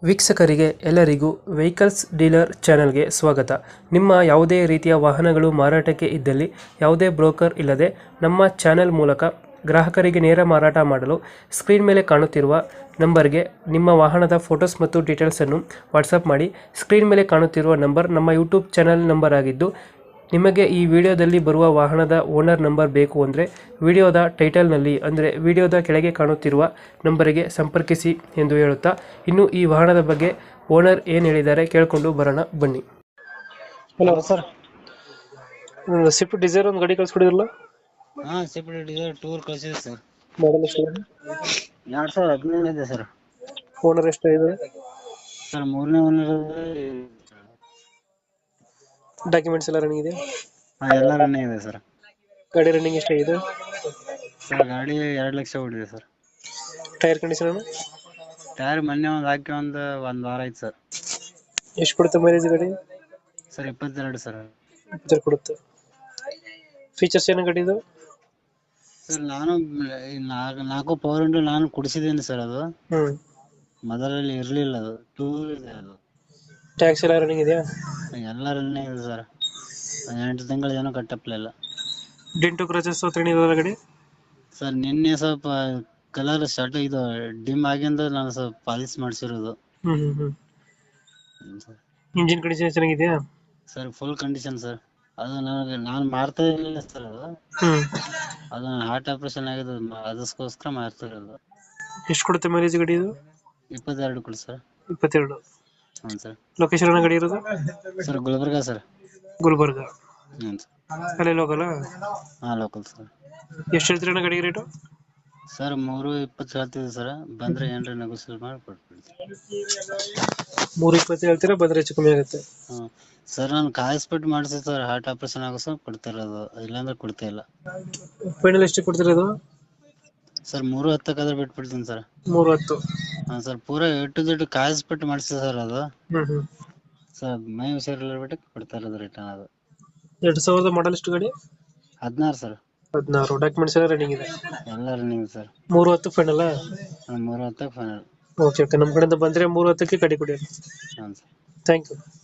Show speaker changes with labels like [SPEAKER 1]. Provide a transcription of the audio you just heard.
[SPEAKER 1] ವೀಕ್ಷಕರಿಗೆ ಎಲ್ಲರಿಗೂ vehicles dealer ಚಾನೆಲ್ಗೆ ಸ್ವಾಗತ. ನಿಮ್ಮ ಯಾವುದೇ ರೀತಿಯ ವಾಹನಗಳು ಮಾರಾಟಕ್ಕೆ ಇದ್ದಲ್ಲಿ ಯಾವುದೇ ಬ್ರೋಕರ್ ಇಲ್ಲದೆ ನಮ್ಮ ಚಾನೆಲ್ ಮೂಲಕ ಗ್ರಾಹಕರಿಗೆ ನೇರ ಮಾರಾಟ ಮಾಡಲು ಸ್ಕ್ರೀನ್ ಮೇಲೆ ಕಾಣುತ್ತಿರುವ ನಂಬರ್ಗೆ ನಿಮ್ಮ ವಾಹನದ ಫೋಟೋಸ್ ಮತ್ತು ಡೀಟೇಲ್ಸನ್ನು ವಾಟ್ಸಪ್ ಮಾಡಿ. ಸ್ಕ್ರೀನ್ ಮೇಲೆ ಕಾಣುತ್ತಿರುವ ನಂಬರ್ ನಮ್ಮ ಯೂಟ್ಯೂಬ್ ಚಾನೆಲ್ ನಂಬರ್ ಆಗಿದ್ದು, ನಿಮಗೆ ಈ ವಿಡಿಯೋದಲ್ಲಿ ಬರುವ ವಾಹನದ ಓನರ್ ನಂಬರ್ ಬೇಕು ಅಂದರೆ ವಿಡಿಯೋದ ಟೈಟಲ್ನಲ್ಲಿ ಅಂದರೆ ವಿಡಿಯೋದ ಕೆಳಗೆ ಕಾಣುತ್ತಿರುವ ನಂಬರಿಗೆ ಸಂಪರ್ಕಿಸಿ ಎಂದು ಹೇಳುತ್ತಾ, ಇನ್ನು ಈ ವಾಹನದ ಬಗ್ಗೆ ಓನರ್ ಏನು ಹೇಳಿದ್ದಾರೆ ಕೇಳಿಕೊಂಡು ಬರೋಣ ಬನ್ನಿ. Hello
[SPEAKER 2] sir.
[SPEAKER 1] ಸ್ವಿಫ್ಟ್ ಡಿಸೈರ್ ಒಂದು ಗಾಡಿ ಕಳಿಸ್ಕೊಡಿದ್ರಲ್ಲ,
[SPEAKER 2] ಹಾ ಸ್ವಿಫ್ಟ್ ಡಿಸೈರ್ ಟೂರ್ ಕಳಿಸಿದೆ ಸರ್.
[SPEAKER 1] ಮಾಡಲ್ ಎಷ್ಟು?
[SPEAKER 2] 2015 ಇದೆ ಸರ್.
[SPEAKER 1] ಓನರ್ ಎಷ್ಟಾಗಿದೆ?
[SPEAKER 2] ಸರ್ ಮೂರನೇ ಓನರ್.
[SPEAKER 1] ಡಾಕ್ಯುಮೆಂಟ್ಸ್ ಎಲ್ಲ ರನ್ನಿಂಗ್ ಇದೆ?
[SPEAKER 2] ಎಲ್ಲ ರನ್ನಿಂಗ್ ಇದೆ ಸರ್.
[SPEAKER 1] ಗಾಡಿ ರನ್ನಿಂಗ್ ಎಷ್ಟಾಗಿದೆ?
[SPEAKER 2] ಸರ್ ಗಾಡಿ 2 ಲಕ್ಷ ಓಡಿದೆ ಸರ್.
[SPEAKER 1] Tyre condition?
[SPEAKER 2] ಟೈರ್ ಮೊನ್ನೆ ಒಂದು ಹಾಕಿ ಒಂದು ವಾರ ಆಯ್ತು ಸರ್.
[SPEAKER 1] ಎಷ್ಟು ಕೊಡುತ್ತೆ ಮೈಲೇಜ್ ಗಾಡಿ?
[SPEAKER 2] Sir 22 sir.
[SPEAKER 1] 22 ಕೊಡುತ್ತೆ. ಫೀಚರ್ಸ್ ಏನು ಗಾಡಿ ಇದು?
[SPEAKER 2] ಸರ್ ನಾನು ನಾಲ್ಕು ಪವರ್ ವಿಂಡೋ ನಾನು ಕುಡಿಸಿದ್ದೀನಿ ಸರ್. ಅದು ಮೊದಲಲ್ಲಿ ಇರಲಿಲ್ಲ, ಅದು ಟೂರ್ ಇದೆ. ಅದು
[SPEAKER 1] ಟ್ಯಾಕ್ಸ್ ಎಲ್ಲ ರನ್ನಿಂಗ್ ಇದೆಯಾ?
[SPEAKER 2] ಎಲ್ಲ ರನ್ನಿಂಗ್ ಇದೆ ಸರ್. 8 ತಿಂಗಳು ಏನೋ ಕಟ್ಟಪ್ಲಿಲ್ಲ.
[SPEAKER 1] ಡೆಂಟು ಕ್ರಚಸ್ ಏನಿದೆ ಗಾಡಿ?
[SPEAKER 2] ಸರ್ ನಿನ್ನೆ ಸ್ವಲ್ಪ ಕಲರ್ ಶರ್ಟ್ ಇದು ಡಿಮ್ ಆಗಿಂದ ನಾನು ಸ್ವಲ್ಪ ಪಾಲಿಶ್ ಮಾಡಿಸಿರೋದು.
[SPEAKER 1] ಇಂಜಿನ್ ಕಂಡೀಷನ್ ಚೆನ್ನಾಗಿದೆಯಾ?
[SPEAKER 2] Sir full condition sir. ಅದು ನಾನು ಮಾಡ್ತಾ ಇರಲಿಲ್ಲ ಸರ್. ಅದು ಹಾರ್ಟ್ ಆಪರೇಷನ್ ಆಗಿದೆ, ಅದಕ್ಕೋಸ್ಕರ ಮಾಡ್ತಾ ಇರೋದು.
[SPEAKER 1] ಎಷ್ಟು ಕೊಡುತ್ತೆ ಮೈಲೇಜ್ ಗಾಡಿ ಇದು?
[SPEAKER 2] 22 ಕೊಡಿ ಸರ್.
[SPEAKER 1] 22.
[SPEAKER 2] ಹ್ಞೂ ಸರ್.
[SPEAKER 1] ಲೊಕೇಶನ್ ಗಾಡಿ ಇರೋದು?
[SPEAKER 2] Sir Gulbarga sir.
[SPEAKER 1] ಗುಲ್ಬರ್ಗ.
[SPEAKER 2] ಹ್ಞೂ ಸರ್.
[SPEAKER 1] ಅಲ್ಲೇ ಲೋಕಲ್?
[SPEAKER 2] ಹಾಂ ಲೋಕಲ್ ಸರ್.
[SPEAKER 1] ಎಷ್ಟು ಹೇಳ್ತೀರಣ್ಣ ಗಾಡಿ ರೇಟು?
[SPEAKER 2] ಸರ್ 320 ಹೇಳ್ತಿದ್ದೆ ಸರ್. ಬಂದರೆ ಏನಾರ ನೆಗೋಸಿಯೇಟ್ ಮಾಡಿ ಕೊಟ್ಬಿಡ್ತೀನಿ.
[SPEAKER 1] 320 ಹೇಳ್ತೀರಾ, ಬಂದರೆ ಹೆಚ್ಚು ಕಮ್ಮಿ ಆಗುತ್ತೆ?
[SPEAKER 2] ಹ್ಞೂ ಸರ್. ನಾನು ಕಾಯಿಸ್ಬಿಟ್ಟು ಮಾಡಿಸಿ ಸರ್, ಹಾರ್ಟ್ ಆಪರೇಷನ್ ಆಗೋ ಸರ್ ಕೊಡ್ತಾ ಇರೋದು, ಇಲ್ಲಾಂದ್ರೆ ಕೊಡ್ತಾ ಇಲ್ಲ.
[SPEAKER 1] ಫೈನಲ್ ಎಷ್ಟು ಕೊಡ್ತಿರೋದು?
[SPEAKER 2] Sir 310 ಬಿಟ್ಬಿಡ್ತೀನಿ sir.
[SPEAKER 1] 310?
[SPEAKER 2] ಹಾಂ ಸರ್. ಪೂರಾ ಎಟ್ಟು ಕಾಯಿಸ್ಬಿಟ್ಟು ಮಾಡಿಸಿ ಸರ್. ಅದು ಸರ್ ಮೈ ಹುಷಾರಿಲ್ಲ ಬಿಟ್ಟು ಕೊಡ್ತಾ ಇರೋದು ರಿಟರ್ನ್. ಅದು
[SPEAKER 1] 2000 ಮಾಡಲ್ ಎಷ್ಟು ಗಾಡಿ?
[SPEAKER 2] 16 ಸರ್.
[SPEAKER 1] 16. ಡಾಕ್ಯುಮೆಂಟ್ಸ್ ಎಲ್ಲ ರನ್ನಿಂಗ್ ಇದೆ?
[SPEAKER 2] ಎಲ್ಲ running sir.
[SPEAKER 1] 310 final?
[SPEAKER 2] 310 final.
[SPEAKER 1] Okay okay, ನಮ್ಮ ಕಡೆಯಿಂದ ಬಂದರೆ 310ಕ್ಕೆ ಗಾಡಿ ಕೊಡಿ.
[SPEAKER 2] ಹಾಂ ಸರ್.
[SPEAKER 1] Thank you.